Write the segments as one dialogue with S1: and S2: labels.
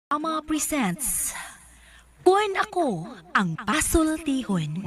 S1: Ama presents Kuan ako ang pasultihon.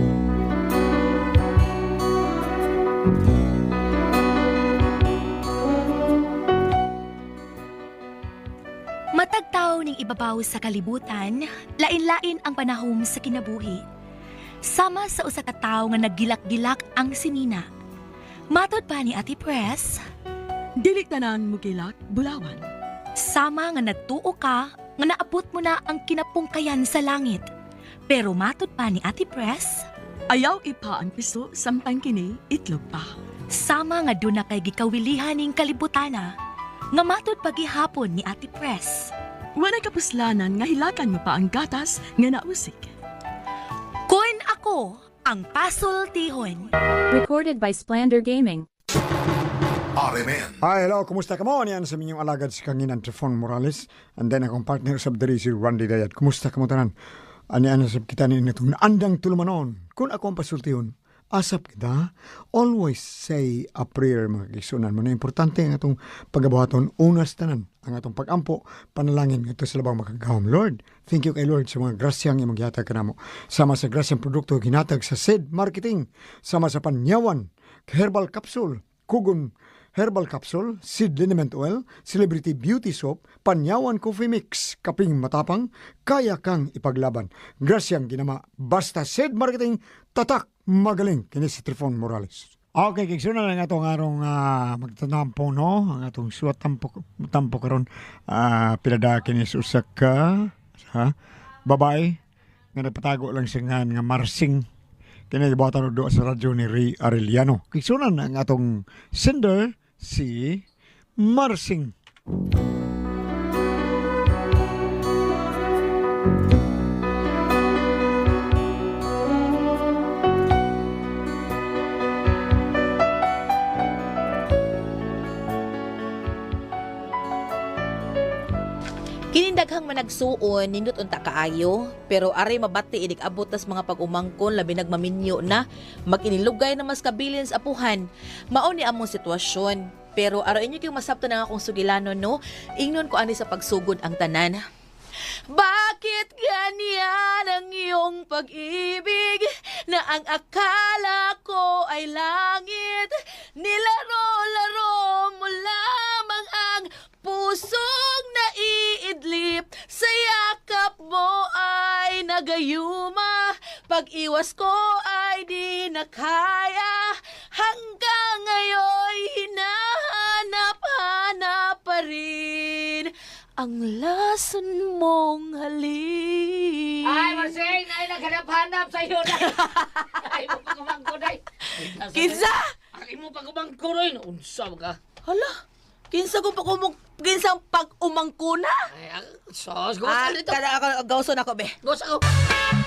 S1: Matag tawo ning ibabaw sa kalibutan, lain-lain ang panahom sa kinabuhi. Sama sa usa ka tawo nga naggilak-gilak ang sinina. Matod pa ni Ate Press,
S2: Dili tanan mo kilak, bulawan.
S1: sama nga nagtuo ka nga naabot mo na ang kinapungkayan sa langit. Pero matod pa ni Ate Press,
S2: Ayaw ipa ang piso, samtang kini, itlog pa.
S1: sama nga doon na kay gikawilihan ning kalibutana, nga matod pagihapon ni Ate Press.
S2: Wala kapuslanan nga hilakan mo pa ang gatas nga nausik.
S1: Kuan ako ang pasultihon.
S3: Recorded by Splander Gaming.
S4: RMN.
S5: Hi, hello. Kumusta ka mo? Yan sa minyong alagad si Kanginan Trifon Morales. And then akong partner sa diri si Randy Dayat. Kumusta ka mo tanan? Ani-ano sa kita ni itong naandang tulumanon. Kung ako ang pasultihon, asap kita. Always say a prayer, mga kisunan mo. Na importante ang atong pagabuhaton. Unas tanan. Ang atong pagampo, panalangin. Ito sa labang makagawam. Lord, thank you kay Lord sa mga grasyang imong gihatag kanamo. Sama sa grasyang produkto ginatag sa SED Marketing. Sama sa panyawan, herbal capsule, kugon herbal capsule, seed liniment oil, celebrity beauty soap, panyawan coffee mix, kaping matapang, kaya kang ipaglaban. Grasyang ginama, basta SED Marketing, tatak, magaling, kini si Trifon Morales. Okay, kigsuna lang atong arong magtanampo, no? Ang atong suwat tampo karon pilada kini sa usa ka babae nga nagpatago lang siya nga Marsing. Kini gibuhatan do sa radyo ni Ray Arellano. Kigsunan ang atong sender si Marsing.
S6: Kinindaghang managsuon nindot unta kaayo, pero aray mabati idik abot tas mga pag-umangkon labi nagmaminyo na maginilugay na mas kabilin sa apuhan. Mao ni among sitwasyon, pero aro inyo kayong masabto na akong sugilano no, ingnon ko ani sa pagsugod ang tanan. Bakit ganyan ang iyong pag-ibig na ang akala ko ay langit? Nilaro-laro mo lamang ang pusong naiidlip, sa yakap mo ay nagayuma, pag-iwas ko ay di na kaya, hanggang ngayon hinahanap-hanap pa rin ang lason mong halik.
S7: Ay, Marsing! Ay, naghanap-hanap sa'yo na! Ay, mo pagumangko na!
S6: Kinsa?
S7: Ay, mo pagumangko rin! Unsa ka?
S6: Hala, kinsa pag-umangko na?
S7: Ay, sos, gusto dito!
S6: Kada ako, gawson ako, be.
S7: Gusto ko!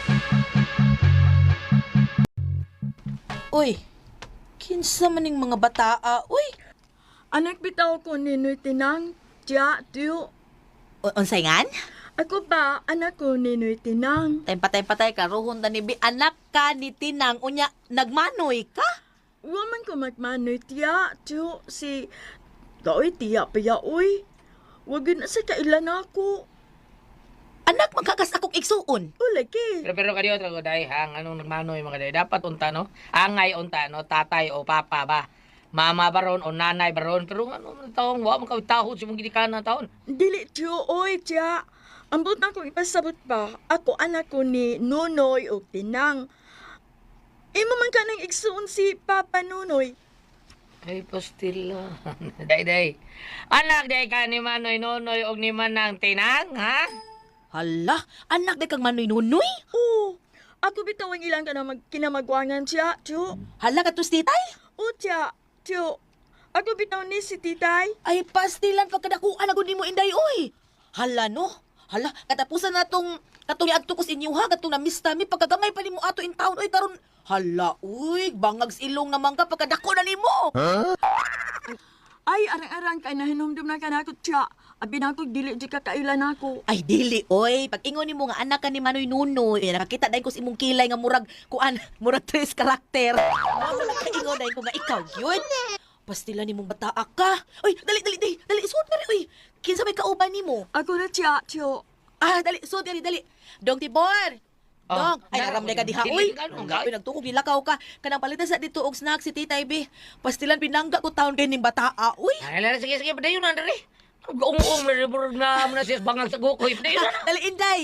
S6: Uy, kinsa maning mga bataa? Uy,
S2: Anak bitaw ko ni Noy Tinang, tiya, tiyo.
S6: unsay ngan?
S2: Ako pa, anak ko ni Noy Tinang.
S6: Patay-patay ka, ruhon ta ni Bi. Anak ka ni Tinang, unya, nagmanoy ka?
S2: Waman ko magmanoy, tiya, tiyo, si... Kaoy, tiya pa ya, uy. Wag yun na sa kailan ako.
S6: Anak, magkakas akong igsuon.
S2: O, lagi.
S7: Pero kayo, trago, dahi, hang, anong nagmanoy mga dahi? Dapat unta, no? Angay unta, no? Tatay o papa ba? Mama baron o nanay baron. Pero ano, taong, wa mo kawitahod sa mong ginikanan taon.
S2: Dili, tiyo, oy, tiya. Ambot na kong ipasabot pa. Ako, anak ko ni Nunoy o Tinang. Imo man ka nang igsuon si Papa Nunoy.
S7: Ay, pastila. Day. Anak, day ka ni Manoy Nonoy o ni Manang Tinang, ha?
S6: Hala, anak de kang manoy nunoy?
S2: Oo. Ako bitaw ang ilang ka na kinamagwangan siya, tiyo.
S6: Hala ka tus titay?
S2: O, tiya, tiyo. Ako bitaw ni si titay.
S6: Ay, pastilan pagkadakuan ako ni mo inday, oy. Hala no? Hala, katapusan na katong iadto ko sa inyo ha, katong namista mi, pagkagamay pa ni mo ato in town, oy, karon. Hala, uy, bangag silong naman ka, pagkadako na ni mo.
S2: Ay, arang-arang kay nahinumdum na ka na ako, tiya. Abi na ako, dili di ka kailan ako.
S6: Ay, dili, oy. Pag ingon ni mo nga anak ka ni Manoy Nunoy, nakakita dahil ko sa imong kilay nga murag, kuan, murag tres karakter. Ano na nakaingon dahil ko nga ikaw, yun? Pastila ni mong bataa ka. Uy, dali, suot na rin, uy. Kinsa may kauban ni mo?
S2: Ako na, Tia, Tio.
S6: Dali, suot dali. Dong Tibor. Dong, ay naramday ka diha, uy. Ang gabi nagtukog gilakaw ka. Kanang palitan sa dito og snack si Tita Ibe. Pastilan pinangga ko taon kay ning bataa, uy.
S7: Ay, lala, sige, padayon na, dali. Gaong-ong, maribur na mo na siya bangang sa gukoy. Padayon na.
S6: Dali, Inday.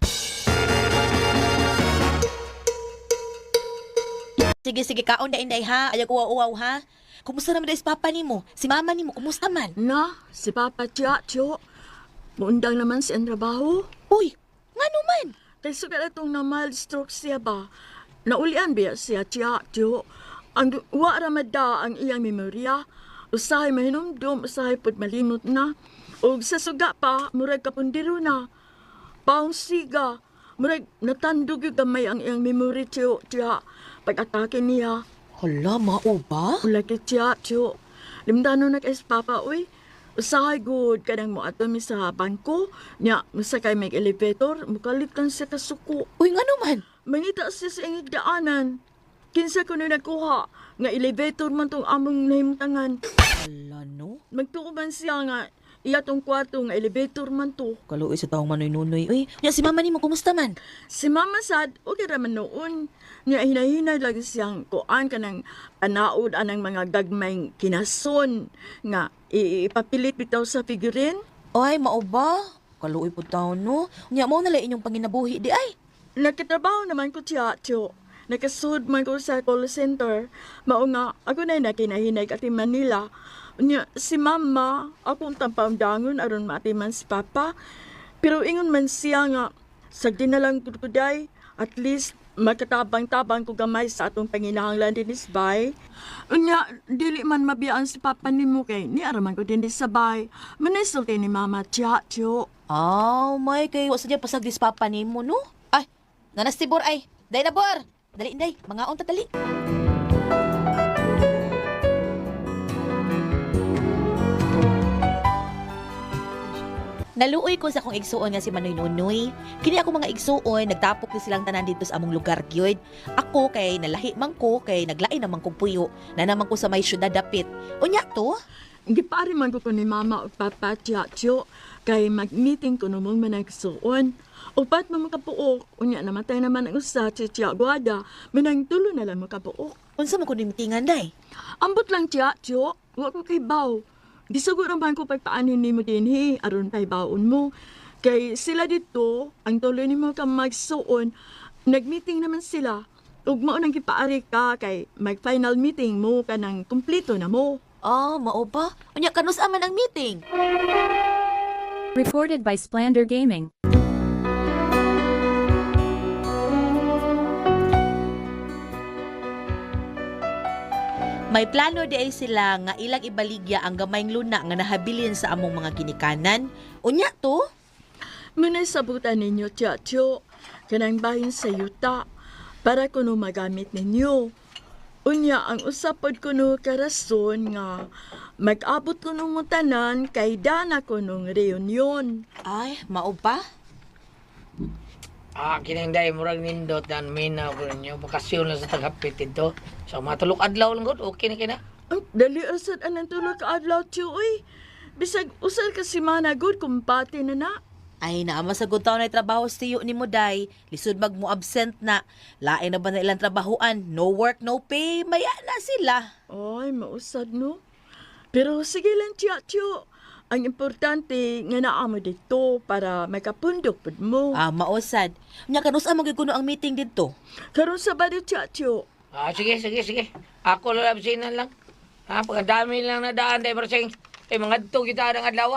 S6: Sige, kaon na Inday ha. Ayaw ko uwaw ha. Kumusta naman dahil si Papa ni mo? Si Mama ni mo, kumusta man?
S2: Na, si Papa, Tia, Tio. Muundang naman siya ang trabaho.
S6: Uy, nga naman.
S2: Kay sugat atong na mild stroke siya ba? Naulian biya siya, Tia, Tio. Ang wa ramada ang iyang memorya. Usahay mahinumdum, usahay pod malimot na. O sa suga pa, murag kapundiro na. Paong siga, murag natandog yung gamay ang iyang memory, Tio, Tia. Pag-atake niya.
S6: Hala, mao ba?
S2: Ulaki, Tia, Tio. Limdano na kay si Papa, uy. Usahay good kanang mo ato mi sa bangko. Nya, masakay may elevator, mukalitan siya kasuko.
S6: Uy, nga naman.
S2: Mangita siya sa ingig daanan. Kinsa ko na nakuha, nga elevator man tong among nahimtangan.
S6: Hala, no?
S2: Magtuo man siya nga, iya tong kwarto nga elevator man to.
S6: Kaluoy sa taong manoy-nunoy. Uy, ya, si Mama ni mo, kumusta man?
S2: Si Mama Sad, okay raman noon. Nya hinahinay lagi siyang kuan ka ng anaod anang mga gagmayng kinason nga ipapilit bitaw sa figurin.
S6: Ay, mao ba? Kaluoy po taon, no? Nya, mo nala inyong panginabuhi, di ay.
S2: Nagkatrabaho naman ko, Tia, Tio. Nakasud man ko sa call center. Mao nga, ako na nakinahinay ati Manila. Nya, si Mama, akong tampamdangon aron maatiman si Papa. Pero ingon man siya nga, sagdi na lang kuday, at least magkatabang-tabang ko gamay sa atong panginahanglan din isbay. Unya, dili man mabiyaan si Papa ni mo kay ni araman ko din sabay. Manisulti ni Mama, Tia, Tio.
S6: May kay wasa dyan pasagdis Papa ni mo, no? Ay, nanas Tibor ay. Day na, Bor. Dali, Inday. Mga on dali. Naluoy ko sa akong igsuon nga si Manoy Nunoy. Kini ako mga igsuon, nagtapok ni silang tanan dito sa among lugar gyud. Ako kay nalahi man ko, kay naglain naman kong puyo, na naman ko sa may syudad dapit. Unya to?
S2: Gipari man ko ni Mama o Papa, Tia, Tio, kay mag-meeting ko namang managsuon. Upat mo makapuok, unya namatay naman ang usa, Tia Guada, manang tulo na lang makapuok.
S6: Unsa man ko nimitingan, day?
S2: Ambot lang, Tia, Tio, huwag ko kay Baw. Di siguro man ko pagpaanin ni mo din, aron kay baon mo. Kay sila dito, ang tuloy ni mo ka magsuon, nag-meeting naman sila. Ug mao nang gipaari ka kay mag-final meeting mo ka nang kumpleto na mo.
S6: Mao ba? Unya kanus aman ang meeting.
S3: Recorded by Splander Gaming.
S6: May plano di ay sila nga ilang ibaligya ang gamayng luna nga nahabilin sa among mga ginikanan. Unya to?
S2: Muna sabutan ninyo, Tia, Tio, kanang bahin sa yuta para kuno magamit ninyo. Unya, ang usapod kuno karason nga mag-abot kuno mo tanan kay dana kunong reunion.
S6: Ay, mao ba?
S7: Kininday, murag nindot na minaw ko ninyo. Bakasyon lang sa taghapit ito. So, matulog adlaw lang gud. Okay na kina.
S2: Ang dali asad anang tulog ka adlaw, Tio, uy. Bisag usal ka si Mana good kumpati na na.
S6: Ay, naama sa good taon na trabaho sa tiyo ni mo, day. Lisod mag mo absent na. Lain na ba na ilang trabahoan? No work, no pay. Maya na sila.
S2: Ay, mausad no. Pero sige lang, Tio. Ang importante nga naa mo dito para makapundok pud mo.
S6: Mausad. Nya kanus amang kuno ang meeting dito.
S2: Karon sa bado, Tio.
S7: Sige. Ako lalabsinan lang. Pagkadami lang na daan, day Marsing. Mga dito kita ng adlaw.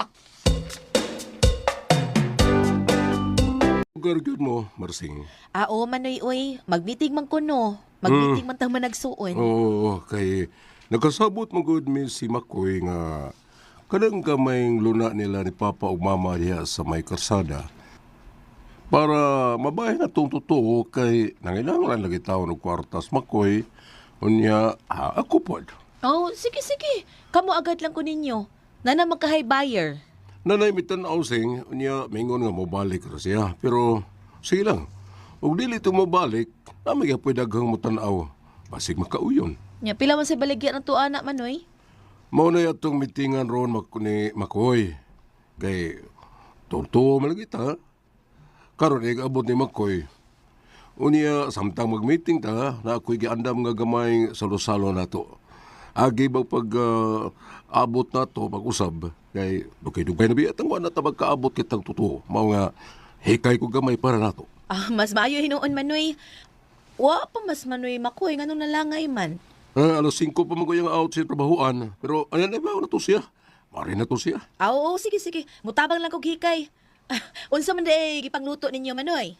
S8: Lugar yun mo, Marsing.
S6: Manoy, uy. Mag-meeting man kuno. Mag-meeting man tang managsuon.
S8: Oo, kay nakasabot mo good mi si Makoy nga kanang kamayng luna nila ni Papa ug Mama diha sa may karsada. Para mabahin na tong totoo kay nangailangan lagi taon og kwartas Makoy. Unya, ako pod.
S6: Sige. Kamu agad lang ko ninyo. Nana magkahay buyer.
S8: Nanay mitan-aw sing, unya mingon nga mobalik ra siya. Pero sige lang. Ug dili to mobalik, nami gyapon daghang mo tan-aw. Basig makauyon.
S6: Nya pila man sa baligya ng tuana, Manoy?
S8: Mao na yatong mitingan ron ni Makoy. Kay tuwa man lagi ta. Karon abot ni Makoy. Unya samtang mag-meeting ta na ako'y giandam nga gamay salo-salo nato. Agi ba pag abot nato pag-usab kay dugay-dugay na biya tangwa na ta magkaabot kitang totoo. Mao nga hikay ko gamay para nato.
S6: Mas maayo hinuon manoy. Wa pa mas manoy makoy nganong nalangay man.
S8: Alas 5 pa mag out sa trabahoan. Pero ayan na ba na to siya? Mari na to siya.
S6: Oo, sige sige. Mutabang lang kog hikay. Unsa man day gipangluto ninyo manoy?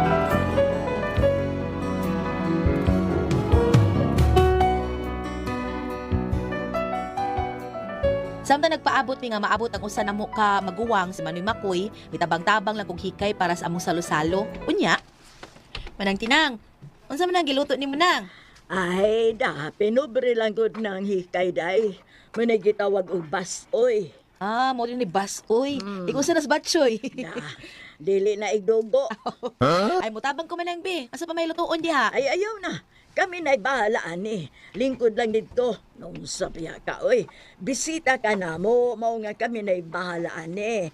S6: Samtang nagpaabot mi nga maabot ang usa namo ka maguwang si Manoy Makoy, mitabang-tabang lang kog hikay para sa among salo-salo. Unya. Manang tinang. Unsa man ang giluto nimo nang?
S2: Ay, pinobre lang gud ng hikay day. May gitawag og basoy.
S6: Mo rin ni Bas. Uy, ikaw sa nas batchoy.
S2: Dili na igdugo.
S6: Ay, mutabang ko manang be. Asa pa may lutuon diha?
S2: Ay, ayaw na. Kami na'y bahalaan eh. Lingkod lang dito. Nung sabiya ka, oy. Bisita ka na mo. Mao nga kami na'y bahalaan eh.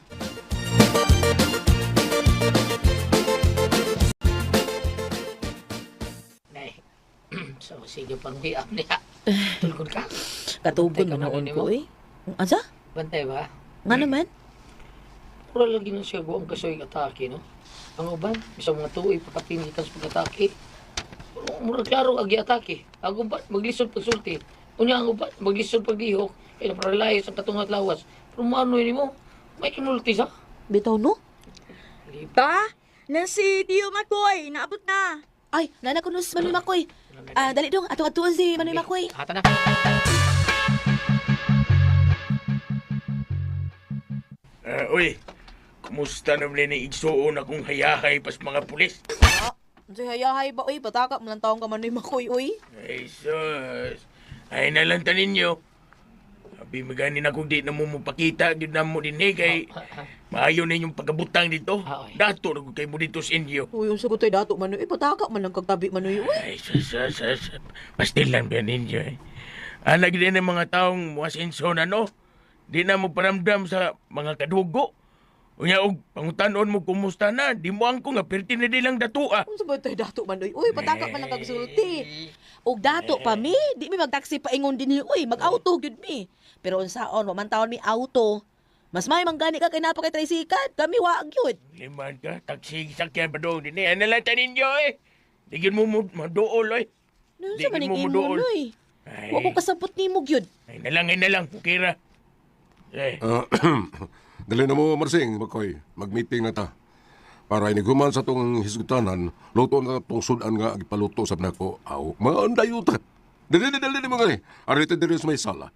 S7: Nay. So, sige pang biak niya. Tulkod ka.
S6: Katugon
S7: Bantay ka
S6: man
S7: na
S6: ko,
S7: rin,
S6: uy. Asa?
S7: Bantay ba?
S6: Nga naman?
S7: Pura lagi na siya ang kasoy atake, no? Ang uban, isang mga tuoy pagkapinitan sa pag-atake. Mura klaro agi atake. Ang uban, maglisod pagsulti. Unya ang uban, maglisod paglihok. Kaya naparalay sa katungat lawas. Pero maano yun mo? May kinulti sa?
S6: Bitaw no?
S2: Ta? Na si Tio Makoy. Naabot na.
S6: Ay, nana ko nus Manoy Makoy. Dali dong, atong-atuan si Manoy Makoy.
S7: Hata na.
S9: Uy, kumusta naman na igsuon akong hayahay pas mga pulis?
S6: Si hayahay ba, uy? Pataka mo lang taong ka Manoy Makoy, uy.
S9: Ay, sus. Ay, nalanta ninyo. Abi, maganin ako di na mo mapakita. Di na mo din kay maayo na inyong pagkabutang dito. Dato na ko kay mo dito sa inyo.
S6: Uy, yung sagot ay dato Manoy. Pataka man lang kagtabi Manoy, uy.
S9: Ay, sus. Pastil lang ba ninyo eh. Anak din ng mga taong muasinso na no. Di na mo paramdam sa mga kadugo. Unya og pangutanon mo kumusta na, di mo angko nga perti na di lang datua.
S6: Ano ba tayo dato Manoy? Uy, pataka man lang kagsulti. Og dato pa mi, di mi magtaksi pa ingon din uy, mag-auto gyud mi. Pero unsaon, wa man taon mi auto. Mas may manggani ka kay napakay tricycle, kami wa gyud.
S9: Liman ka, taksi sakyan pa doon din eh. Analata ninyo eh. Digin mo maduol eh.
S6: Ano
S9: Di
S6: sa maning
S9: mo
S6: imo,
S9: muduol.
S6: Manoy?
S9: Ay,
S6: Wa ko kasabot nimo gyud.
S9: ay na lang, Kira. Eh,
S8: Dali na mo, Marsing, Makoy. Mag-meeting na ta. Para iniguman sa tong hisgutanan, luto na tong sudan nga ipaluto sa nako. Aw, mga andayuta. Dali mga ni. Arito diri sa may sala.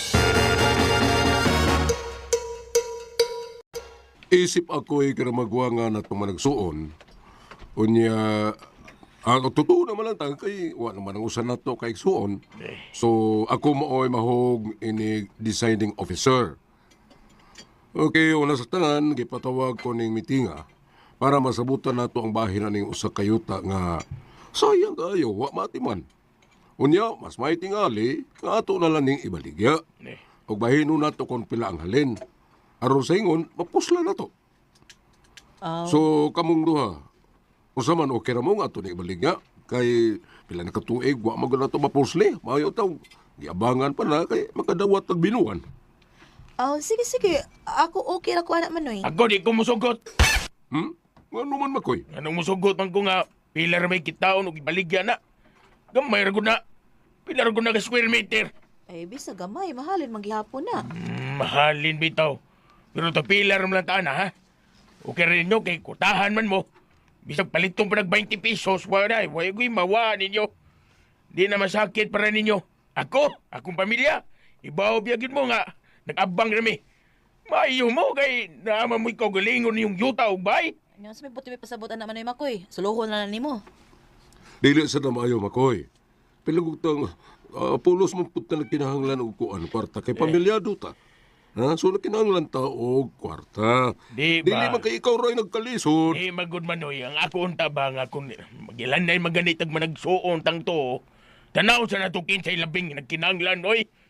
S8: Isip ako'y karamagwa nga na itong managsuon. Unya, totoo naman lang tayo kay, wala naman ang usan na to kay suon. So, ako mao'y mahog ini deciding officer. Okay, una sa tanan, gipatawag ko ning mitinga para masabutan nato ang bahin ning usa kayuta nga sayang kayo, wa matiman. Unya, mas may tingali, nga ato na lang ning ibaligya. Og bahino nato kung pila ang halin. Aron sa ingon, mapusla na to. So, kamong duha, usa man okay ra mo nga ato ning ibaligya, kay pila na katuig, wa magod na to mapusli. Mayo taw, giabangan pa na, kay makadawat ang binuan.
S6: Oh, sige. Ako okay ra ko anak Manoy.
S9: ako di ko musugot.
S8: Ano man, Makoy?
S9: Anong musugot man ko nga, pila ra may kitaon o ibaligya na. Gamay ra gud na. Pila ra gud na ka square meter.
S6: Ay, bisa gamay, mahalin manggihapon na.
S9: Mahalin bitaw. Pero to pila ra man lang taan ha. Okay rin nyo kay kutahan man mo. Bisag palitong pa nag 20 pesos, wala ko'y mawa ninyo. Di na masakit para ninyo. Akong pamilya, ibaw biyagin mo nga, nag-abang rami. Maayo mo kay naman mo ikaw galingon yung yuta o bay.
S6: Ano sa may buti may pasabot anak Manoy Makoy? Suluhon na nimo.
S8: Dili sa na maayo, Makoy. Pilagutang, pulos mo puta na kinahanglan og kuan kwarta kay pamilyado ta. Ha? So na kinahanglan ta og kwarta.
S9: Di
S8: Dili
S9: ba?
S8: man kay ikaw ray nagkalisod.
S9: Eh, magod Manoy, ang ako unta ba nga kung magilanay maganit ag managsuon tang to, tanaw sa natukin sa ilabing nagkinanglan, oy.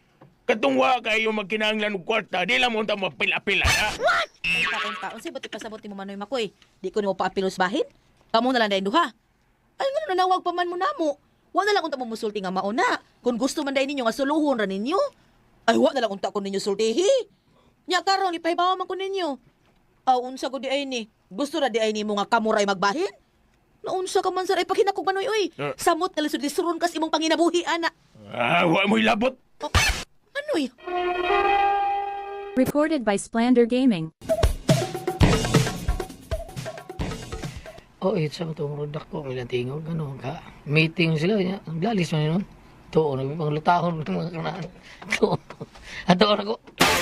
S9: Katungwa kayo magkinahanglan og kwarta, di lang mo ta mapil-apila, ha?
S6: Ay, taon-taon, say, ba't ipasabot ni mo Manoy Makoy? Di ko ni mo paapilos bahin? Kamu na lang dahil duha. Ay, nga nanawag pa man mo na mo. Wa na lang unta mo musulti nga mauna. Kung gusto man dahil ninyo nga suluhon ra ninyo. Ay, wa na lang unta ko ninyo sultihi. Nya karon ipahibawa man ko ninyo. Aw, unsa ko di ay ni. Gusto ra di ay ni mo nga kamuray magbahin? Naunsa ka man sa ay paghinakog Manoy, oy. Samot na lisod lisuron kas imong panginabuhi, ana.
S9: Wa mo'y labot.
S6: Oh, Manoy,
S3: Recorded by Splander Gaming.
S7: Oh, sa mga tumurudak ko, ilang tingog, ano, ka, meeting sila, niya, ang lalis mo yun. Ito, nagpanglutahon ng mga kanaan. Ito, ato ako.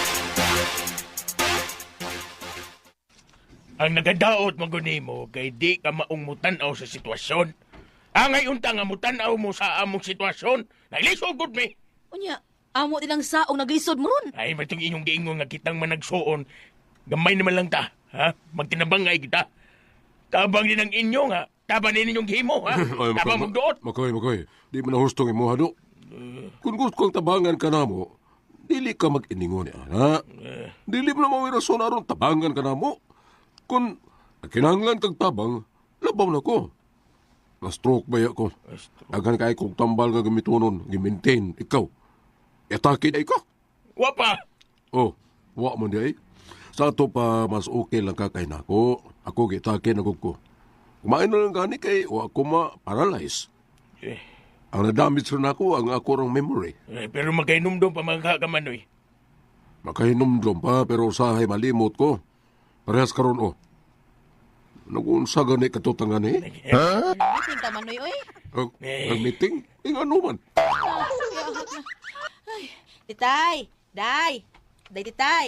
S9: Ang nagadaot maguni mo kay di ka maong mutanaw sa sitwasyon. Angay unta nga mutanaw mo sa among sitwasyon. Naglisod gud mi.
S6: unya, amo dilang saong naglisod mo ron.
S9: Ay matong inyong giingon nga kitang managsuon. Gamay naman lang ta, ha? Magtinabangay kita. Tabang din ang inyo nga. Tabang din inyong himo, ha? Tabang mong doot.
S8: Makoy. Di mo na hustong imo, hado. Kung gusto kong tabangan ka na mo, dili ka mag-iningon niya, ha? Dili mo na mawira aron tabangan ka na mo. Kung kinahanglan kag tabang, labaw na ko. Na-stroke ba ko? Aghan kay kong tambal nga gamitonon, gimintain, ikaw. Atake na ikaw.
S9: Wapa!
S8: Oh, wa mo di ay. Sa ato pa, mas okay lang ka kay nako. Ako gitake na ko. Kumain na lang gani kay wa ako ma-paralyze.
S9: Eh,
S8: Ang nadamage rin ako, ang ako rang memory.
S9: pero magkainomdom pa mga kakamanoy.
S8: Makahinumdum pa, pero usahay malimot ko. Parehas karon oh. Nag-unsa gani katutangan eh?
S6: Meeting ka Manoy, oy.
S8: Nag-meeting? Ano man?
S6: Titay, day, titay.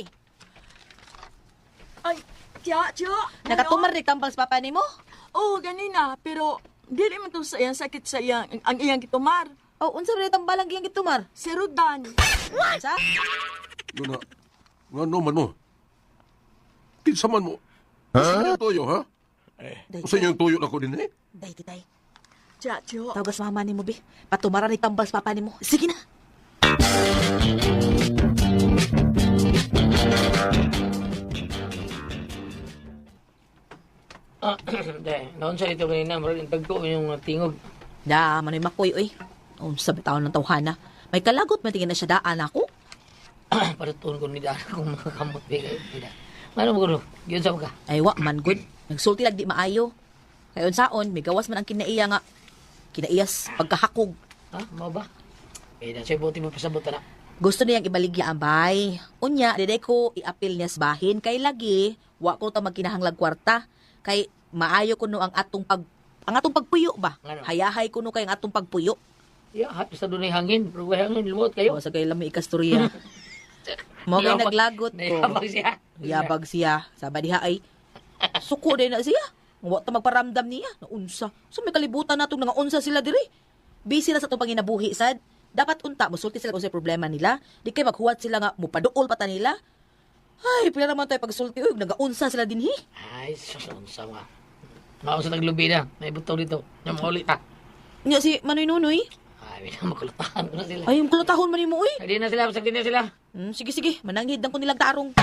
S2: Ay, tiya.
S6: Nakatumar ni tambal sa papa nimo?
S2: Oo, ganina. Pero, di rin man to sa iyang sakit sa iyang, ang iyang kitumar.
S6: Oh, unsa rin tambal ang iyang gitumar?
S2: Si Rodan.
S6: Unsa?
S8: Nga no man mo? Kinsa man mo? Usa yung toyo, ha?
S6: Day,
S8: Usa yung toyo na ko din eh?
S6: day, titay.
S2: Tiya.
S6: Tawagas mama nimo, be. Patumara ni tambal sa papa nimo. Sige na.
S7: Dahil, naon sa ito kanina, maraming tagko yung tingog.
S6: Da, Manoy Makoy, oy. Unsa bitaw ng tawhana? May kalagot man tingin na siya daan ako.
S7: Paratuon ko ni Dara kung makakamot. Ano mo gulo? Yun sa mga.
S6: Ay, wa man good. Nagsulti lang di maayo. Kayon saon, may gawas man ang kinaiya nga. Kinaiyas, pagkahakog.
S7: Ha? Mau ba? Eh, nasa buti mo pasabot na.
S6: Gusto niyang ibaligya ang bay. Unya, diday ko iapil niya sa bahin. Kay lagi, wa ko ta magkinahanglag kwarta. Kay maayo ko no ang atong pagpuyo ba?
S7: Ano?
S6: Hayahay ko no kay ang atong pagpuyo.
S7: Yeah, hapis na doon ay hangin. Pero may hangin, lumot kayo.
S6: O, sa kay lami ikastorya. Mo kay naglagot ko.
S7: Nayabag siya.
S6: Yabag siya. Sabi diha ay, suko din na siya. Wa ta magparamdam niya. Naunsa. So may kalibutan natong nga unsa sila diri. Busy na sa itong panginabuhi, sad. Dapat unta, musulti sila kung sa problema nila. Di kay maghuwat sila nga, mupaduol pa ta nila. Ay, pila naman tayo pagsulti. Uy, nagaunsa sila dinhi.
S7: Ay, susunsa nga. Mausap naglubi na. May butaw dito. Yung maulit ha.
S6: Nga si Manoy Nunoy.
S7: Ay, makulutahan ko na sila.
S6: Ay, yung kulotahon man mo, uy.
S7: Hindi na sila, pasag din na sila.
S6: Sige. Mananghid lang ko nilang tarong.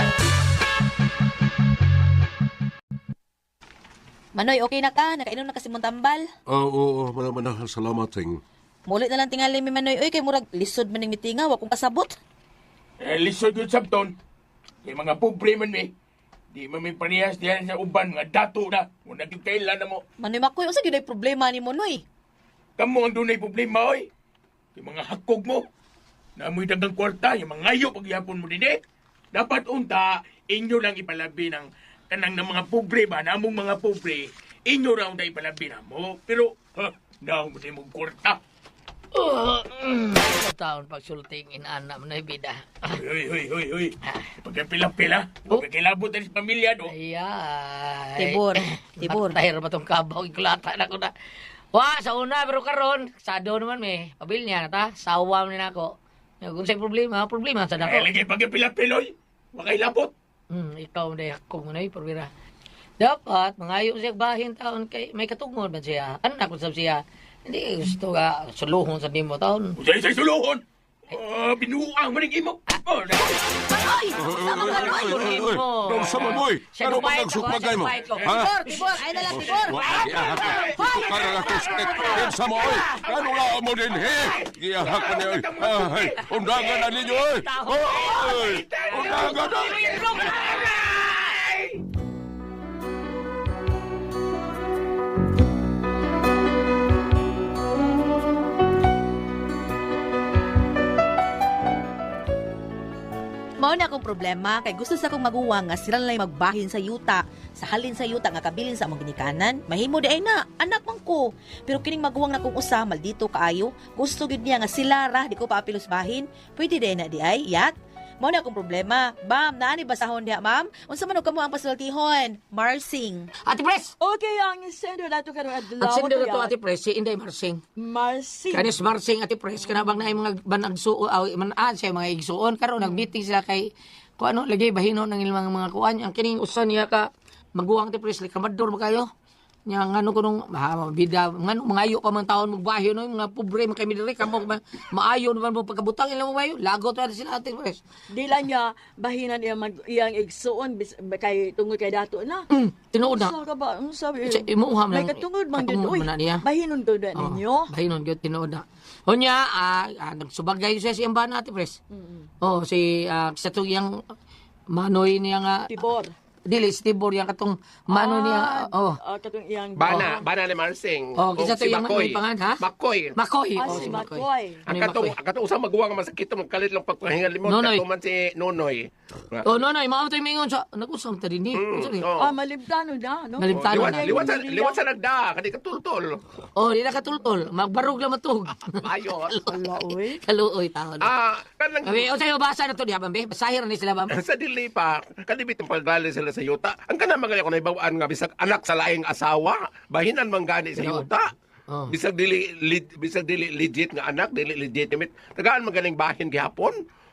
S6: Manoy, okay na ka? Nakainom na kasi mong tambal?
S8: Oo, manang salamat ting.
S6: Mulit na lang tingali mi Manoy. Uy, kay murag lisod man ng mitinga. Wa kong kasabot.
S9: Lisod yun sabton. Yung mga pobre man eh. Di man may paniyas diyan sa uban, mga dato na. Kung nagkikailan na mo.
S6: Manoy Makoy, unsa gyud ay problema ni Manoy?
S9: Kamu ang dunay problema, oy. Yung mga hakog mo. Naamoy dagang kwarta, yung mga ngayo pagyapon mo din eh. Dapat unta, inyo lang ipalabi ng kanang ng mga pobre ba, namong mga pobre, inyo raw na ipalabi na mo. Pero, naong mo din mong kwarta.
S7: Sa taon pagsulting inana mo na ibida.
S9: Hoy. Pagkapila-pila, pagkakilabot na sa pamilya, no?
S7: Ayay.
S6: Tibor.
S7: Matahir ba itong kabaw? Ikulata na ko na. Wa, sa una, pero karon sado naman may. Pabil niya na ta. Sawa mo na ako. Kung sa'yo problema sa dako.
S9: Lagi pagkapilapiloy, makailabot.
S7: Ikaw na yakong mo na parbira. Dapat, mangayo siya bahin taon kay may katungod ba siya. Anak ko sab siya. Hindi gusto ka suluhon sa dimo taon.
S9: Usay suluhon. Binuang mo rin mo.
S6: Ay! Sama ka na
S8: Ano sa mamoy?
S6: Siya
S8: Ano
S6: nagbayad
S8: pag nagsukmagay mo?
S6: ko.
S8: Ha?
S6: Tibor! Ay na lang, Tibor!
S8: Ito ka na kusket. Yan sa mamoy. Ano na mo din, he? Giyahak ko niya. Ay, undangan na ninyo, eh. Ay, undangan na.
S6: Mao na akong problema kay gusto sa akong maguwang nga sila lang magbahin sa yuta. Sa halin sa yuta nga kabilin sa among ginikanan, mahimo di ay na, anak man ko. Pero kining maguwang na kong usa, maldito kaayo. Gusto gid niya nga sila ra, di ko pa apilos bahin. Pwede di ay na di ay, yak? Mao na akong problema. Ma'am, naani basahon diha, ma'am? Unsa man og kamo ang pasultihon? Marsing.
S7: Ate Pres!
S2: Okay, ang sender nato karong adlaw.
S7: Ang sender na to,
S2: kuya.
S7: Ate Pres, si Inday Marsing.
S2: Marcy.
S7: Kanis Marsing, Ate Pres, kanabang na mga banagsuon, manaan siya mga igsuon. Karon nag-meeting sila kay, kung ano, lagay bahino ng ilang mga kuan. Ang kining usan niya ka, maguwang Ate Pres, kamador ba kayo? Nya ngano ko nung bida ngano mangayo pa man taon magbayo no mga pobre man kami diri kamo maayo naman mo pagkabutang ilang mabayo lago to sila Ate Pres.
S2: Di lang niya bahinan iyang igsuon kay tungod kay dato na.
S7: Tinuod na.
S2: Sa ka ba? Ano sabi?
S7: Imuham
S2: May
S7: lang.
S2: katungod man gid.
S7: Katungod
S2: Uy,
S7: man na niya.
S2: bahinon to na ninyo.
S7: Bahinon gyud tinuod na. Unya nagsubagay siya si Amba na Ate Pres. Oh si sa tuyang manoy niya nga
S2: Tibor.
S7: dili si Tibor yang katong mano niya
S2: Katong iyang
S9: Bana ni Marsing.
S7: Oh, kisa to
S9: si
S7: yung
S9: Makoy.
S7: pangan, ha?
S9: Makoy.
S7: Makoy.
S2: Ah,
S7: Oh,
S2: si
S7: si Makoy.
S2: Makoy.
S9: Ang
S7: Ano yung
S9: katong usang maguwang nga masakit mo kalit lang pagpahingal limon
S7: Nonoy.
S9: katong man si Nonoy.
S7: Oh, no, mao tayo mingon sa nag-usam ta dinhi.
S2: Ah, malibdano na, no?
S7: Malibdano
S9: Liwat
S7: na.
S9: liwat sa nagda kani katultol.
S7: Oh, di na katultol. Magbarog lang matug.
S9: Ayo.
S2: Ala, uy.
S7: Kaluoy taon.
S9: Kanang
S7: Abi, o tayo basa na to diha bambe. Basahir ni sila bambe.
S9: sa dili pa kadibit ang pagdali sila sa yuta. Ang kana magaya ko naibawaan nga bisag anak sa laing asawa, bahinan man gani sa yuta.
S7: Oh.
S9: Bisag dili legit nga anak, dili legitimate. Tagaan magaling bahin gihapon.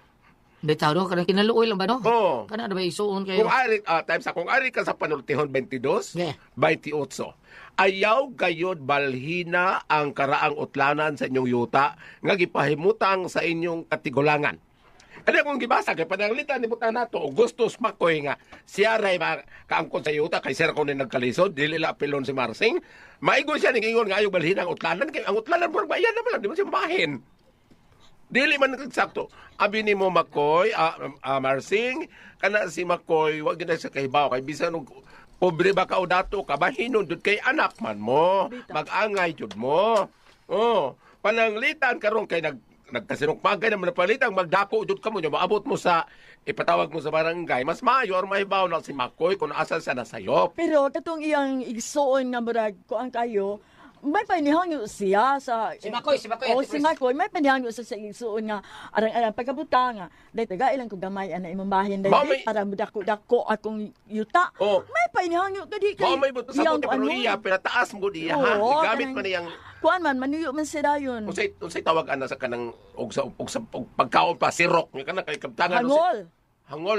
S7: Di tao do kanang kinaluoy lang ba no?
S9: Oo.
S7: Kana na ba isuon kayo?
S9: Kung ari times kung ari ka sa panultihon 22,
S7: Yeah.
S9: 28. Ayaw gayod balhina ang karaang utlanan sa inyong yuta nga gipahimutang sa inyong katigulangan. Ano kung gibasa kay pananglitan ni buta nato Augustus Makoy nga siya ray kaangkon sa yuta kay sir ko ni nagkalisod dili la pilon si Marsing. Maigo siya ning ingon nga ayaw balhina ang utlanan kay ang utlanan murag bayan na lang di man siya bahin. Dili man nagsakto. Abi ni mo Makoy, Marsing, kana si Makoy, wag gina sa kahibaw kay bisan og pobre ba ka o dato ka bahinon dud kay anak man mo, mag-angay jud mo. Oh, pananglitan karon kay nagkasinukmagay naman na palitang magdako jud kamo nya maabot mo sa ipatawag mo sa barangay mas maayo or mahibaw na si Makoy kung asa sa nasayop.
S2: Pero katong iyang igsuon nga murag kuan kayo, may panihangyo siya sa
S7: Si Makoy,
S2: Oh,
S7: Ate
S2: si
S7: Pres.
S2: Makoy may panihangyo sa igsuon nga arang pagkabuta nga dai taga ilang ko gamay ana imong bahin dai
S9: Mami.
S2: para mudako-dako akong yuta.
S9: Oh.
S2: May panihangyo kadi kay.
S9: Mao may buto sa
S2: iyang
S9: puti pero
S2: ano,
S9: iya pinataas mo diya ha.
S2: Oo,
S9: Gamit
S2: kanang-
S9: man niyang
S2: Kuan man manuyo man sila yun.
S9: unsay tawag ana sa kanang og sa pagkaon pa sirok nga kana kay kabtangan
S2: Hangol.
S9: Hangol.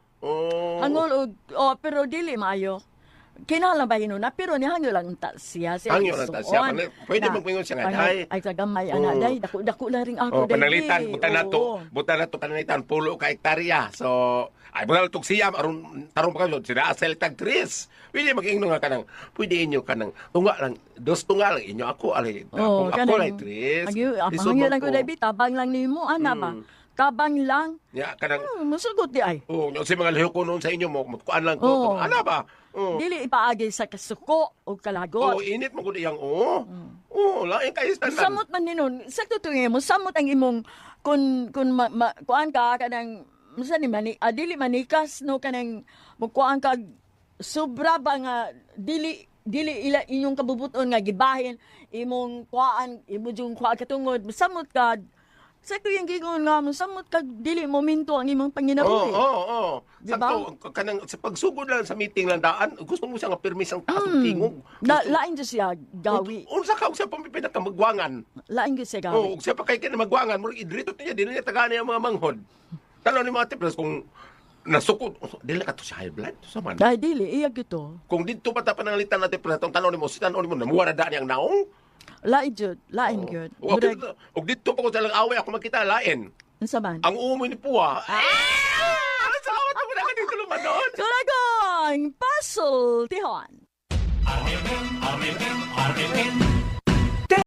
S9: Oh.
S2: Hangol og pero dili maayo. Kinahanglan ba na pero nihangyo lang ta siya
S9: Hangyo lang ta siya.
S2: igsuon.
S9: Pwede
S2: Na,
S9: magpingon siya nga,
S2: panay-
S9: "Day."
S2: Ay tagamay ana
S9: Oo.
S2: day dako lang ring ako
S9: Oh,
S2: day.
S9: pananglitan
S2: Oo.
S9: buta na to kananitan pulo ka hektarya. So ay buta tug siya aron tarong pa kayo sila asel tag 3. Pwede magingno nga kanang pwede inyo kanang tunga lang dos tunga lang inyo ako ali
S2: Oh,
S9: ako lay 3.
S2: Hangyo lang ko day tabang lang nimo ana ba. Tabang lang.
S9: Ya kanang
S2: Masugot di ay.
S9: oh yung sa mga liho ko noon sa inyo mo kuan lang
S2: Oo.
S9: ko. Ana ba? Oh.
S2: Dili ipaagi sa kasuko o kalagot.
S9: Oh, init mo gud iyang oh. Oh, lain kay standard.
S2: Samot man ninon, sakto to mo, samot ang imong kun kuan ka kanang musa ni dili manikas no kanang mukuan ka sobra ba nga dili ila inyong kabubuton nga gibahin imong kuan imo jung kuan katungod samot ka sakto yung gigon nga mo samot ka dili momento ang imong panginabuhi.
S9: Oo.
S2: Diba?
S9: Sakto, kanang sa pagsugod lang sa meeting lang daan, gusto mo siya nga permis ang taas ng tingog.
S2: Lain jud siya gawi.
S9: Unsa ka siya pamipinat ka magwangan.
S2: Lain jud siya
S9: Oo,
S2: gawi.
S9: siya pa kay magwangan, mo idrito niya, dili niya tagana yung mga manghod. Tanaw ni mga tiplas kung nasukod, dili ka to sa high blood, sa man.
S2: Dahil dili iya gito.
S9: Kung dito pa ta pananglitan natin pala, tanaw ni mo, si tanaw ni mo, namuwa na daan yung naong.
S2: Lain jud, lain gyud. Murag
S10: Og dito pa ko sa lang away ako makita lain.
S2: unsa man?
S10: Ang umoy ni Puwa. Salamat ako na dito lumanon.
S2: Kulagang puzzle tihon.